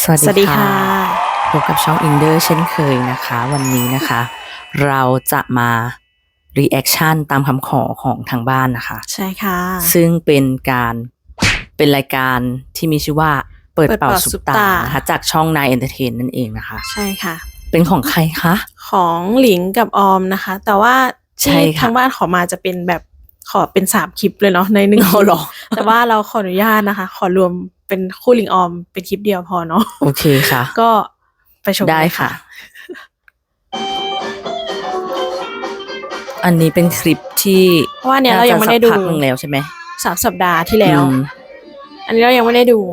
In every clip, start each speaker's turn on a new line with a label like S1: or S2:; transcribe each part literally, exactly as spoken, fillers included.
S1: สวัส
S2: สวัส
S1: ดี
S2: ดี
S1: ค่ะ
S2: ค่ะ
S1: พบกับช่องอินเดอร์เช่นเคยนะคะ วันนี้นะคะ เราจะมา reaction ตามคำขอของทางบ้านนะคะ
S2: ใช่ค่ะ
S1: ซึ่งเป็นการเป็นรายการที่มีชื่อว่าเปิด
S2: เปิด
S1: เป่า
S2: เป่า
S1: ซุป
S2: ซุป
S1: ตา
S2: ตา
S1: นะคะจากช่องนายเอนเตอร์เทนนั่นเองนะคะ
S2: ใช่ค่ะ
S1: เป็นของใครคะ
S2: ของหลิงกับออมนะคะ แต่ว่า
S1: ใช่
S2: ที่
S1: ค่ะ
S2: ทางบ้านขอมาจะเป็นแบบขอเป็นสามคลิปเลยเนาะในหนึ่ง
S1: อ๋
S2: ค
S1: อ
S2: ลิป
S1: เหรอ
S2: แต่ว่าเราขออนุญาตนะคะ ขอรวมเป็นคู่หลิงออมเป็นคลิปเดียวพอเนาะ
S1: โอเคค่ะ
S2: ก็ไปชม
S1: ได้
S2: เลย
S1: ค่ะ
S2: ค่ะ
S1: อันนี้เป็นคลิปที่
S2: เพราะว่าเนี่ยเรายังไม่ได้ดู
S1: น่าจะสักพักหนึ่งแล้วใช่ไหม
S2: สามสัปดาห์ที่แล้ว
S1: อืม
S2: อันนี้เรายังไม่ได้ดู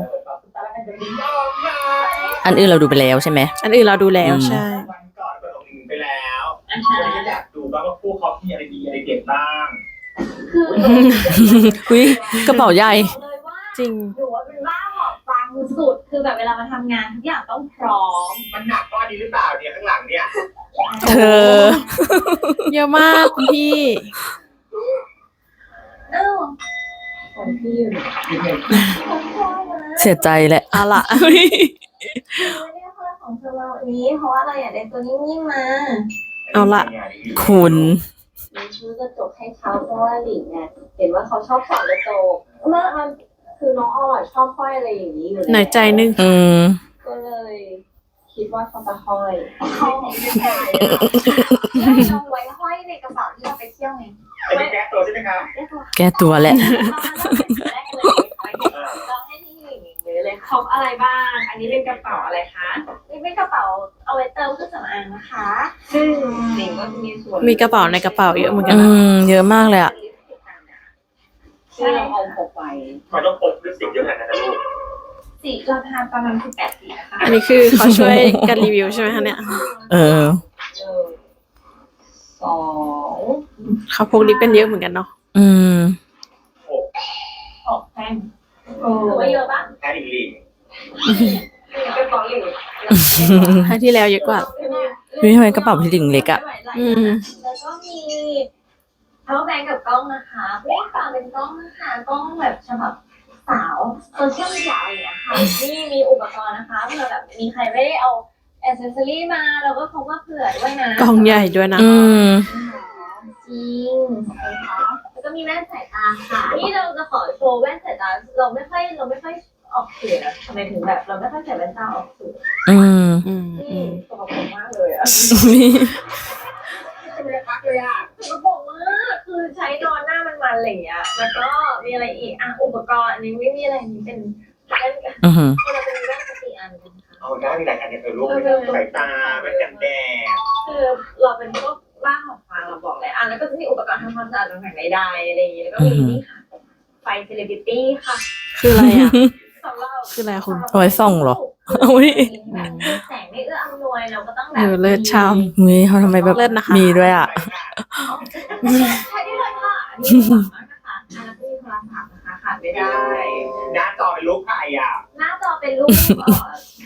S1: อันอื่นเราดูไปแล้วใช่ไหม
S2: อันอื่นเราดูแล้ว
S1: อืม
S2: ใช่
S3: วันก่อนเปิดลงอินไปแล้ววันนี้อยากดูบ้างว่าคู่เขามีอะไรดีอะไรเด็ดบ้าง
S1: อุ้ยกระเป๋าใหญ่
S4: เลยว่า
S2: จริง
S4: หนูว่าเป็นบ้าหอบฟังสุดคือแบบเวลามาทำงานทุกอย่างต้องพร้อม
S3: มันหนักก้อนนี้หรือเปล่าเนี่ยข้างหลังเนี่ย
S1: เธอ
S2: เยอะมากคุณพี่
S4: เอ้าของพี่อยู่ของพ่อนะ
S1: เสียใจแหละ
S2: เอาละ
S4: ไม่ได้เพื่อนของเราวันนี้ เพราะว่าเราอยากได้ตัวนิ่มๆมา
S2: เอาละ
S1: คุณ
S4: หนูซื้อกระจกให้เขาเพราะว่าหลิงเนี่ยเห็นว่าเขาชอบส่องกระจกเมื่อมันคือน้องออยชอบห้อยอะไรอย่างนี้อยู่แล้ว
S2: หน่อยใจนึง
S1: อืม
S4: ก็เลยคิดว่าเขาจะห้อยเขาไม่ได้เราไว้ห้อยในกระเป๋าที่เราไปเที่ยวไง
S3: อันนี้แก้ตัวใช่ไหมคะ
S1: แก้ตัวแหละ
S4: เราให้ที่หลิงเลยครบอะไรบ้าง อันนี้เป็นกระเป๋าอะไรคะนี่เป็นกระเป๋าเอาไว้เติมเครื่องสำอางนะคะ ซึ่งหลิงก็มีส่วน
S2: มีกระเป๋าในกระเป๋าเยอะเหมือนกัน
S1: อื
S2: นะ
S1: ม เยอะมากเลยอ่ะ
S4: ที่เราเอาพกไป
S3: มันต้องพกลิปสติกเยอะขนาดนั้นนะลูก
S4: สีราคาประมาณสิบแปดสีนะคะ
S2: อันนี้คือเขาช่วยกันรีวิวใช่ไหมคะเนี่ย
S1: เออ
S4: สอง
S2: เขาพกลิปกันเยอะเหมือนกันเนาะ
S1: อืม
S3: หก
S4: หกแท่งถือว่าเยอะปะ
S3: แค่อีกลิง
S4: เป็นกระเป๋าหลิง
S2: ครั้งที่แล้วเยอะกว่า
S1: เฮ้ยทำไมกระเป๋าพี่หลิงเล็กอะ
S2: อืม
S4: แล้วก็มีเอาแบงกับกล้องนะคะเรียกตามเป็นกล้องนะคะกล้องแบบฉบับสาวโซเชียลมีเดียอะไรอย่างเงี้ยค่ะนี่มีอุปกรณ์นะคะเผื่อแบบมีใครไม่ได้เอาแอคเซสซอรี่มาเราก็พกมาเผื่อด้วยนะ
S2: กล่องใหญ่ด้วยนะ
S1: อืม
S4: จริงนะคะแล้วก็มีแว่นสายตาค่ะนี่เราจะขอโชว์แว่นสายตาเราไม่ค่อยเราไม่ค่อยออกสื่อนะทำไมถึงแบบเราไม่ค่อยใส่แว่นตาออกสื่อ
S1: อืม
S2: อืม
S4: นี่
S2: อืม
S4: สกปรกมากเลยอะ
S1: นี่
S3: ไม่ได้พักเลยอ่ะ
S4: สกปรกมากคือใช้นอนหน้ามันมันๆอะไรอย่างเงี้ยแล้วก็มีอะไรอีกอ่ะอุปกรณ์อันนี้ไม่มีอะไรอันนี้เป็นแว่น
S1: อือหือ
S4: เราเป็นแว่นสติอันนะคะ
S3: เอาได้มีหลายอันเนี่ยเออลูกสายตาแว่นกันแดด
S4: คือเราเป็นพวกบ้าของฟังเราบอกเลยอ่ะแล้วก็จะมีอุปกรณ์ทำความสะอาดต่างๆใดๆอะไรอย่างงี้แล้วก็มีนี่ค่ะไฟเซเลบริตี้ค่ะ
S2: คืออะไรอ่ะ
S4: สำหรับ
S2: คืออะไรคุณ
S1: เอาไว้ส่องเหรอ
S2: อุ๊ย
S4: แบบแสงไม่เอื้ออำนวยเราก็ต้องแบ
S2: เอบ อเลิศชาม
S1: เฮ้ยเขาทำไมแบบ
S2: เลิศนะคะ
S1: มีด้วยอ่ะ
S4: ใช้ได้เลยค่ะอันนี้สามารถนะคะอันนั้นก็มีโทรศัพท์นะคะขาดไม่ได้
S3: หน้าจอเป็นรูปใครอ่ะ
S4: หน้าจอเป็นรูปเอ่อ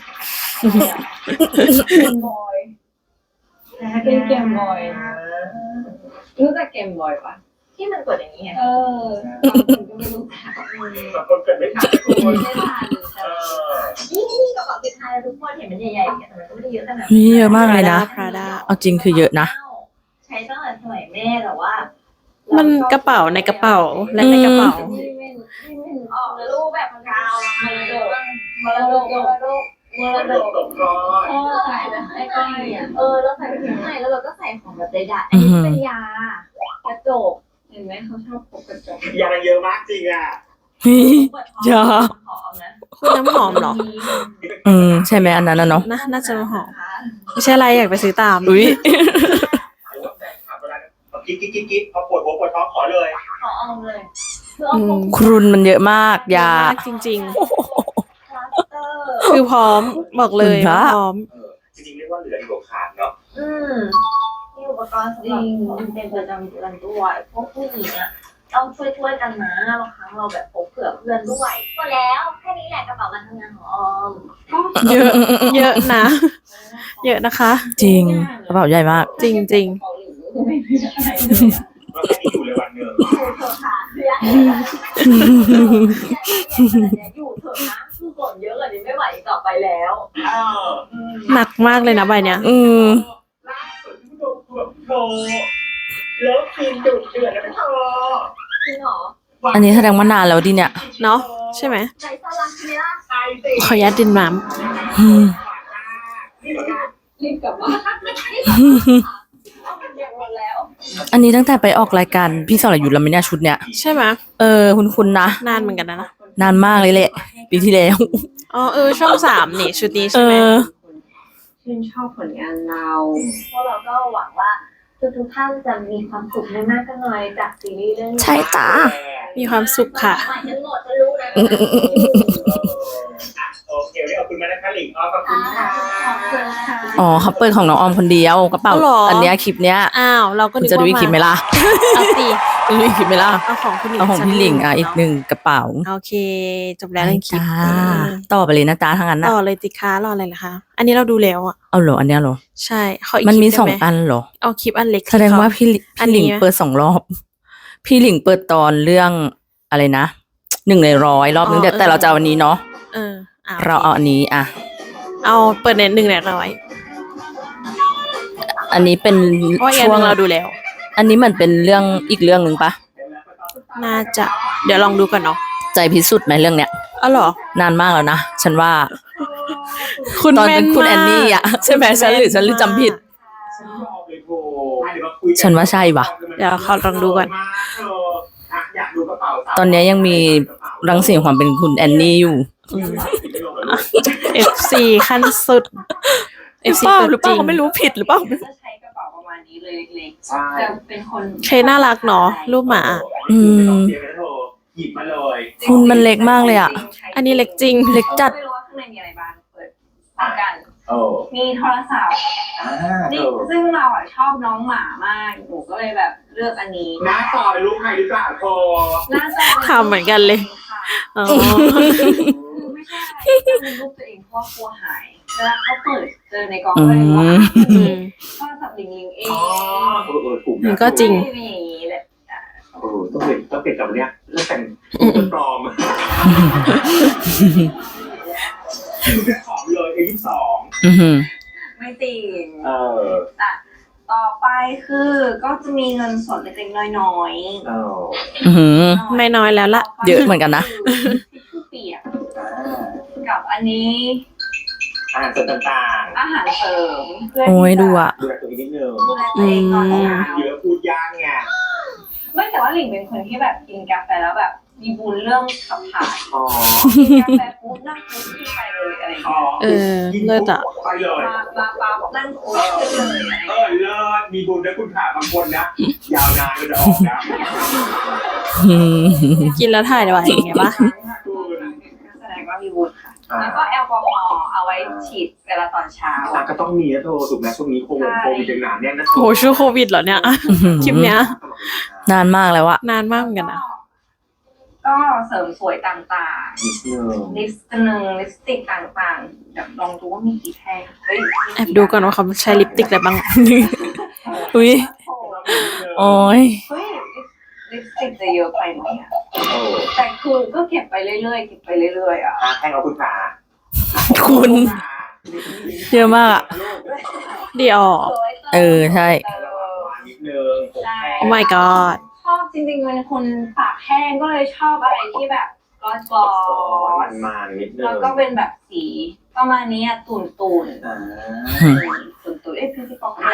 S4: เกมบอยเป็นเกมบอยรู้จักเกมบอยปะที่มันกดอย่างนี้ไงเออบางคนก็ไม่รู้จัก
S3: บางคนเกิดไม่ทันทุกคน
S4: ไม่ทัน
S3: เออ
S4: นี่นี่กระเป๋าติดท้ายทุกคนเห็นมันใหญ่ๆอย่างเงี้ยแต่มันก็ไม่ได้เยอะขนาด
S1: เฮ้ยเยอะมากเลยนะ
S2: พราด้า
S1: เอาจริงคือเยอะนะ
S4: ใช้ตั้งแต่สมัยแม่แต่ว่า
S2: มั
S4: มัน
S2: กระเป๋าในกระเป๋าและในกระเป๋า
S4: ที่ไม่ที่ไม่ออกแล้วรูปแบบกาวมรดกมรดกมรดกมร
S3: มัน
S4: ด
S3: ต
S4: ก
S3: กตกก้อน
S4: เออใส่ไปข้างในอ่ะเออเราใส่ไปข้างในแล้วเราก็ใส่ของแบบใดๆอันนี้เป็นยากระจกเห็นไหมเขาชอบพกกระจก
S3: ยาเยอะมากจริงอ่ะ
S1: เฮ้ย ยา
S4: หอมนะ
S2: คุณน้ำหอมเหรอ
S1: อืม ใช่ไหมอันนั้นนะเนาะ
S2: นะน่าจะหอม ไม่ใช่อะไรอยากไปซื้อตาม
S1: อุ้ย
S3: กิ๊กกิ๊กกิ๊กกิ๊กพอปวดหัวปวดท้องขอเลย
S4: ขอเอาเลยคือเอาพก
S1: ครุนมันเยอะมาก ยา
S2: มากจริง
S4: พลาสเตอร์
S2: ๆ คือพร้อมบอกเลย
S1: คุณพระ
S2: ว่าพร้อม
S3: เออจริงๆเรียกว่าเหลือดีกว่าขาดเนาะ
S4: อืมมีอุปกรณ์สำหรับคนเป็นประจำวันด้วยพวกผู้หญิงอ่ะต้องช่วยๆกันนะบางครั้งเราแบบพกเผื่อเพื่อนด้วยหมดแล้วแค่นี้แหละกระเป๋าการทำงานของออม
S2: เยอะ เยอะนะ เยอะนะคะ
S1: จริง กระเป๋าใหญ่มาก
S2: จริงจริง
S4: เกาหลีไม่มีอะไรเลยอะ
S3: แล้วแค่นี้อยู่เลยวันหนึ่ง
S4: อยู่เถอะค่ะเพื่อนอยู่เถอะนะคือกดเยอะกว่านี้ไม่ไหวอีกต่อไปแล้ว
S3: เออ
S2: หนักมากเลยนะใบเนี้ย
S1: อืม
S3: ล่าสุดที่ดูคือแบบโธ่เลิฟซีนดุเดือดแล้วเธอ
S4: จริงเหรอ
S1: อันนี้แสดงว่านานแล้วดิเนี่ย
S2: เนาะใช่ไหม
S4: ใจซ่อนรักใช่ไหมล่ะ
S3: ใช่สิ
S2: ขออนุญาตดินน้
S1: อืม
S3: นี่เหมือนกัน
S4: รีบกลับบ้านเอาเป็นอย่างหมดแล้ว
S1: อันนี้ตั้งแต่ไปออกรายการพี่สรยุทธ์แล้วไหมเนี่ยชุดเนี้ย
S2: ำใช่ไหม
S1: เออคุณคุณนะ
S2: นานเหมือนกันนะนะ
S1: นานมากเลยแหละ ปีที่แล้ว
S2: อ๋อเออช่องสามนี่ชุดนี้
S1: เอ
S2: ใช่ไหม
S1: อ
S4: ชื่นชอบผลงานเราเพราะเราก็หวังว่าทุกทุกๆท่านจะมีความสุขไม่มากก็น้อยจากซีรีส์เรื่องนี้
S1: ใช่จ้า
S2: มีความสุขค่ะ
S4: ใหม่กันหมดจะรู้นะ
S3: โอเควันนี้ขอบคุณมากนะคะหลิงอ๋อขอบคุณค่ะ
S4: ขอบคุณค่ะ
S1: อ๋อเขาเปิดของน้องออมคนเดียวกระเป๋า
S2: อ๋อเหรออั
S1: อันเนี้ยคลิปเนี้ย
S2: อ้าวเราก็
S1: คุณ
S2: นึก
S1: จะดู
S2: ว่า
S1: อีกคลิปไหมล่ะ
S2: เอาสิ
S1: ดูอีกคลิปไหมล่ะ
S2: เอาของคุณหลิง
S1: เอาของพี่หลิงอ่ะ
S2: สั
S1: อีกหนึ่งกระเป๋า
S2: โอเค จบแล้วเรื่องคลิป
S1: จ้า
S2: เออ
S1: ต่อไปเลยนะจ้าทั้งนั้นนะ
S2: ต่อเลยติค้ารออะไรล่ะคะ อันนี้เราดูแล้วอ่ะ
S1: เอาเหรออันเนี้ยเหรอ
S2: ใช่ขออีก
S1: มัน
S2: คลิ
S1: มี
S2: ป
S1: สอง
S2: ได้ไห
S1: อันเหรอ
S2: เอาคลิปอันเล็ก
S1: แสดงว่าพี่
S2: อัน
S1: พี่หลิง
S2: นี้ไหม
S1: เปิดสองรอบ พี่หลิงเปิดตอนเรื่องอะไรนะหนึ่งในร้อยรอบนึงแต่แต่เราจะเอาอันนี้เนาะ
S2: เอออ่ะ
S1: เราเอาอันนี้อ่ะ
S2: เอาเปิดในหนึ่งในร้อย
S1: อันนี้เป็น
S2: เพราะอีกอัน
S1: ช่
S2: ห
S1: วง
S2: นึงเราดูแล้ว
S1: อันนี้มันเป็นเรื่องอีกเรื่องหนึ่งปะ
S2: น่าจะ เดี๋ยวลองดูก่อนเนาะ
S1: ใจพิสุทธิ์ไหมเรื่องเนี้ย
S2: อ๋อเหรอ
S1: นานมากแล้วนะฉันว่า
S2: คุณ
S1: ตอน
S2: แม่
S1: เป็น นคุณ
S2: มาก
S1: แอนนี่อ่ะใช่ไหมฉันหรือฉันหรือจำผิด
S3: ฉันยอมเลยโธ่อ่ะเดี๋ยวมาคุยกั
S1: ฉันว่าใช่ว่ะ
S2: เดี๋ยวขอลองดูก่อน
S3: มาเธออ่ะอยากดูกระเป๋าสาว
S1: ตอนเนี้ยยังมีรังสีความเป็นคุณแอนนี่อยู่
S2: เอฟ ซี ขั้นสุด เอฟ ซี ตัว
S1: หรือเป
S2: จ
S1: ล่า
S2: ริง
S1: เขาไม่รู้ผิดหรือเปล่า
S4: จะใช้กระเป๋าประมาณนี้เลยเล็ก
S3: ใช่
S4: ๆจะเป็นคน
S2: เคน่ารักเนาะรูปหมา
S1: อืม
S3: เดี๋ยวนะเธอหยิบมาเลย
S1: คุณมันเล็กมากเลยอ่ะ
S2: อันนี้เล็กจริง
S1: เล็กจัด
S4: ไม่รู้ว่าข้างในมีอะไรบ้างเปิดพร้อมกัน
S3: โอ้
S4: มีโทรศัพท์
S3: อ่าเธ
S4: นี่
S3: อ
S4: ซึ่งเราอ่ะชอบน้องหมามากหนูก็เลยแบบเลือกอันนี้
S3: หน้าจอเป็นรูปใครหรือเปล่าเธอ
S4: น่าจะ
S2: ทำเหมือนกันเลย
S4: ค่ะ
S2: อ๋อ
S4: คือไม่ใช่อะไรเป็นรูปตัวเองเพราะว่ากลัวหายเวลาเขาเปิดเจอในกองก็เลยว่า
S2: อืม
S4: โทรศัพท์ลิงลิงเอง
S3: อ๋อเออเออถูก
S2: มั
S3: นะ
S2: นก็จริง
S4: ไม่มีอย่างนี้แหละ
S3: เออต้องเปลี่ยนต้องเปลี่ยนกับเนี้ยแล้วแต่งตัวปลอมขอเลยเอยี่สิบสอง
S1: อือหือ
S4: ไม่จริง
S3: เออ
S4: อ่ะต่อไปคือก็จะมีเงินสดเล็กๆน้อย
S3: เออ
S1: อือหือ
S4: ๆ
S2: ไม่น้อยแล้วล่ะ
S1: เยอะเหมือนกันนะ
S4: ทิชชู่เปียกกับอันนี้
S3: อาหารเสริมต่าง
S4: อาหารเสริมเพื่อ
S1: โอ้ย
S4: ที่จะ
S1: ดูอ่ะ
S3: ๆดูแลตัวเองนิดนึง
S4: ดูแลตัวเองตอนเช้า
S3: เยอะพูดยากไง
S4: ไม่แต่ว่าหลิงเป็นคนที่แบบกินกาแฟแล้วแบบมีบุญเรื่องขับถ่าย
S3: อ๋อ
S4: กินกาแฟปุ๊บนั่งปุ๊บขึ้นไปเลยอะไรอย่าง
S3: อ๋อ
S4: เงี้ย
S2: เออเลิศอะ
S3: ไปเลย
S4: มามาปั๊บนั่งปุ๊บขึ้นเลยอะไรอย่าง
S3: เอ
S4: เงี้ย
S3: อเลิศมีบุญนะคุณขาบางคนนะ ยาวนานก็จะออกนะ
S1: อืม
S2: กินแล้วถ่ายไว้อย่างเงี้ยปะ
S4: แสดงว่ามีบุญค่ะ แล้วก็แอลกอฮอล์เอาไว้ฉีดเวลาตอนเช้า
S3: อ่ะก็ต้องมีนะโทรถูกไหมช่วงนี้โควิดโควิดยังหนาแน่นนะ
S2: โหช่วงโควิดเหรอเนี่ย คลิปเนี้ย
S1: นานมากแล้วอะ
S2: นานมากเหมือนกันนะ
S4: ก็เสริมสวยต่าง
S3: นิดนึง
S4: ๆ ลิปสติกหนึ่งลิปสติกต่างๆเดี๋ยวลองดูว่ามีกี่แท่งเฮ้ย
S2: แอบดูก่อนว่าเขาใช้ลิปสติกอะไรบ้าง
S1: อุ้ย
S4: โอ้
S1: โอ้ย
S4: เฮ้ยลิปสติกจะเยอะไปไหมอะ
S3: โอ้
S4: แต่คือก็เก็บไปเรื่อยๆเก็บไปเรื่อยๆอ่ะ
S3: อ่ะให้เอาคุณขา
S1: คุณ เยอะมากอะ
S2: เดี๋ยว
S1: เออใช่
S4: เออ
S3: นิดนึง
S4: ใช่
S2: Oh my god
S4: ชอบจริงๆเป็นคนปากแห้งก็เลยชอบอะไรที่แบบกลอสกลอส
S3: มันๆนิดนึง
S4: แล้วก็เป็นแบบสีประมาณนี้อะตุ่นตุ่น
S3: อ่า
S4: ตุ่นตุ่นเอ้ยพี่พี่ปอกเลย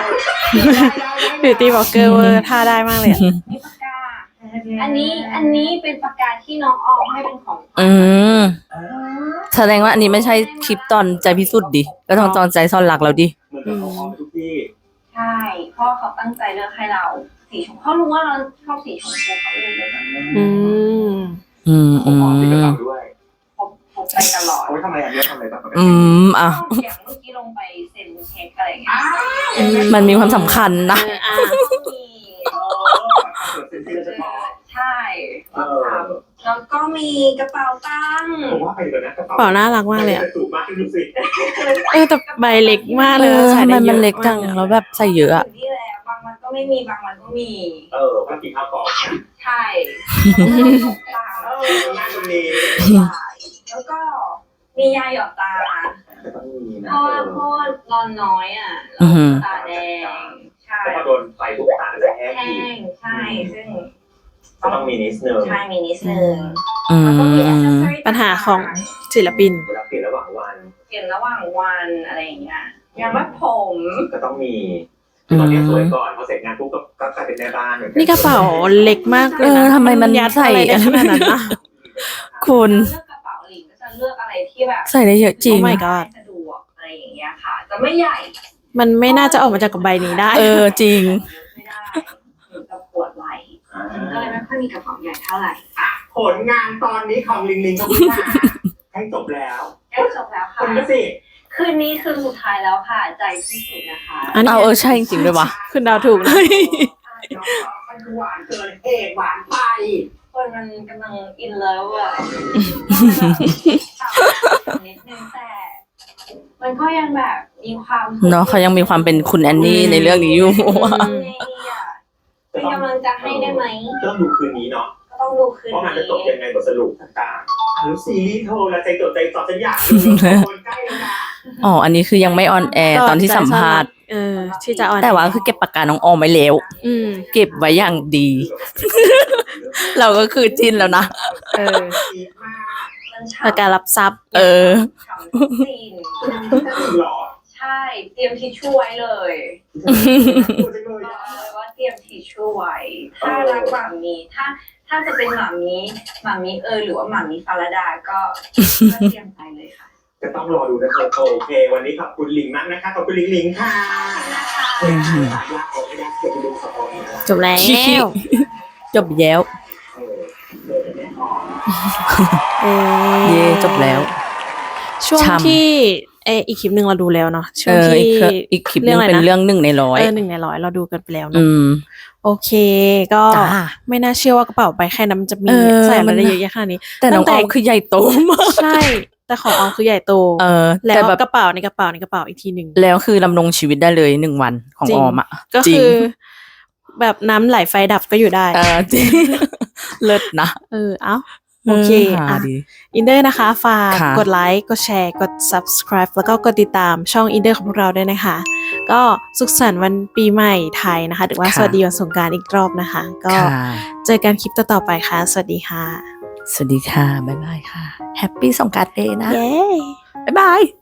S2: Beauty Blogger เวอร์ท่าได้มากเลยอะ
S4: มีปากกา อันนี้อันนี้เป็นปากกาที่น้องออมให้เป็นของขวัญ
S1: อืมแสดงว่าอันนี้ไม่ใช่คลิปตอนใจพิสุทธิ์ดิ ก็ต้องตอนใจซ่อนรักแล้วดิ
S3: เหมือนกับเขาเอาไปทุกที่
S4: ใช่เพราะเขาตั้งใจเลือกให้เราสีชมพูเขารู้ว่าเราชอบสีชมพูเขาเลยเลือกแบบนั้น
S2: อืม
S1: อืม
S3: ผ
S1: อื
S3: มขอ
S1: ม
S3: ติดกระเป๋าด้วย
S4: พกพกไปตลอด
S3: เอาไว้ทำอะไรอันนี้ทำอะไรบ้างปกติ
S1: อืมอ่ะ
S4: อย่างเมื่อกี้ลงไปเซ็นเช็คอะไรอย่างเงี้ย
S1: มันมีความสำคัญนะ
S2: เอออ่ะ
S4: มี
S3: เออเป็นที่เฉพาะ
S4: ใช่
S3: เออ
S4: แล้วก็มีกระเป๋าตังค์
S3: ผมว่าไปเลยนะกระ
S2: กระเป๋าน่ารักมากเลยอะ
S3: สูงมากดูสิ
S2: เออแต่ใบเล็กมาก
S1: เอ
S2: เลย
S1: อ
S2: ใส่
S1: ทำไม
S2: ได้เย
S1: มัน
S2: อะ
S1: เล็กจัง
S2: มาก
S1: แล้วแบบใส่เยอะอะ
S4: นี่แหละบางวันก็ไม่มีบางวันก็มี
S3: เออว่ากินข้าวก่อน
S4: ใช่ต่าง
S3: เอองานวันนี้
S4: แล้วก็มีมียาหยอดตา
S3: ก็ต้องมีนะ
S4: เพราะว่าเพราะว่านอนน้อยอ่ะ
S1: อือหือ
S4: ตาแดงใช่
S3: แล้วพอโดนไฟปุ๊บตาก็จะแห้ง
S4: แห้
S3: อีก
S4: งใช่ซึ่ง
S3: ก็ต้องมีนิดนึง
S4: ใช่มีนิดนึง
S1: อื
S4: แล้วก็มี
S1: ม
S4: accessory
S2: ปัญหาของศิลปิน
S3: เวลาเปลี่ยนระหว่างวัน
S4: เปลี่ยนระหว่างวันอะไรอย่างเงี้ยยางมัดผม
S3: ก็ต้องมีคือตอนนี้สวยก่อนพอเสร็จงานปุ๊บก็ก็กลายเป็นแม่บ้านเหมือนกั
S2: นี่กระเป๋าเล็กมากเล
S1: เอย อ
S2: นะ
S1: ทำไมมัน
S2: ยัด
S1: ใส่
S2: อะไรได้ขนาดนั้นนะ
S1: คุณ
S4: เลือกกระเป๋าหลิงก็จะเลือกอะไรที่แบบ
S1: ใส่ได้เยอะจริง
S2: Oh my god
S4: สะดวกอะไรอย่างเงี้ยค่ะจะไม่ใหญ่
S2: มันไม่น่าจะออกมาจากกระใบนี้ได้
S1: เออจริง
S4: ไม่ได้หรือจะปวดไหล่ก็เลยไม่ค่อยมีกระเป๋าใหญ่เท่าไหร่
S3: อ่ะผลงานตอนนี้ของลิงลิงกับพี่นาให้จบแล้ว
S4: เอ้ยจบแล้ว
S3: ค
S4: ค่ะ
S3: นก็สิ
S4: คืนนี้คือสุดท้ายแล้วค่ะใจที่สุดนะคะ
S2: อันนี้
S1: เอาเออใช่จริงๆด้วยวะ
S2: คุณดาวถูกนะ
S3: มันหวานเกินเอกหวานไป
S4: คนมันกำลังอินเลิฟอะนิดนึงแต่มันก็ยังแบบมีความ
S1: เนาะเขายังมีความเป็นคุณแอนนี่ในเรื่องนี้อยู่
S4: ทำไงดีอะเป็นกำลังใจะให้ได้ไหม
S3: ก็ต้องดูคืนนี้เนาะ
S4: ก็ต้องดูคืน
S3: ว่ามันจะ
S4: นี้
S3: จบยังไงบทสรุปต่างๆอ่ะแล้วซีรีส์โทรแล้วใจจดใจจ่อฉันอยากดูคนใกล้แล้วนะ
S1: อ๋อ อันนี้คือยังไม่ออนแอร์ตอนที่สัมภาษณ์
S2: เออที่จะออน
S1: แต่ว่าคือเก็บปากกาน้องออมไว้แล้ว
S2: อืม
S1: เก็บไว้อย่างดี เราก็คือจินแล้วนะ
S2: เออ
S4: มันฉ่ำ
S2: ประการับทรัพย์
S1: เออ
S4: ฉ่ำซีน
S3: หรอ
S4: ใช่ เตรียมทิชชู่ไว้เลย
S3: พูดจังเลย
S4: บอก
S3: อ่ะ
S4: เลยว่าเตรียมทิชชู่ไว้ ถ้ารักหมามีถ้าถ้าจะเป็นหมามีหมามีเออหรือว่าหมามีฟาราดาก็ก็เตรียมไปเลยค่ะ
S3: จะต้องรอดูนะครับโอเค วันนี้ขอบคุณลิงมากนะคะขอบคุณลิงลิงค่ะ
S4: นะคะ
S3: เออฝากลาออกไม่ได้เดี๋ยวไปดูสปอยล์นะ
S2: จบแล้ว
S1: จบแล้ว
S3: เออเดี๋ยวจะแน่นอน
S2: เออ
S1: เย่จบแล้ว
S2: ช่วง
S1: ช้ำ
S2: ที่เอออีกคลิปหนึ่งเราดูแล้วเนาะช่
S1: เอ
S2: วง
S1: อ
S2: ที่
S1: อีกคืออีกคลิปนึงเป็นเรื่องหนึ่งในร้อย
S2: เออหนึ่งในร้อยเราดูกันไปแล้ว
S1: อื
S2: เนาะ
S1: ม
S2: โอเค ก็
S1: จ้า
S2: ไม่น่าเชื่อว่ากระเป๋าใบแค่นั้นมันจะมี
S1: เออ
S2: ใส่อะไร
S1: มัน
S2: ได้เยอะแยะขนาดนี้
S1: แต่น้องออมคือใหญ่โตมาก
S2: ใช่ แต่ของออมคือใหญ่โต
S1: เออ
S2: แล้ว
S1: แต่แบบ
S2: กระเป๋าในกระเป๋าในกระเป๋าอีกทีหนึ่ง
S1: แล้วคือดำรงชีวิตได้เลยหนึ่งวันของ
S2: จริ
S1: อง อมอ่ะ
S2: ก็
S1: จริ
S2: คื
S1: ง
S2: อ แบบน้ำไหลไฟดับก็อยู่ได้
S1: เออจริง เลิศนะ
S2: เออ เอ้า โอเค
S1: หา
S2: อ่ะ
S1: ดี
S2: อินเดอร์นะคะ ฝาก
S1: ค่ะ
S2: กดไลค์ กดแชร์ กด subscribe แล้วก็กดติดตามช่องอินเดอร์ของพวกเราด้วยนะคะ ก็สุขสันต์วันปีใหม่ไทยนะคะ หรือว่า
S1: ค่ะ
S2: สวัสดีวันสงกรานต์อีกรอบนะคะ ก็
S1: ค่ะ
S2: เจอกันคลิปต่อๆไปค่ะ สวัสดีค่ะ
S1: สวัสดีค่ะ บ๊ายบายค่ะ แฮปปี้สงกรานต์เดย์นะ
S2: เย้
S1: บ๊ายบาย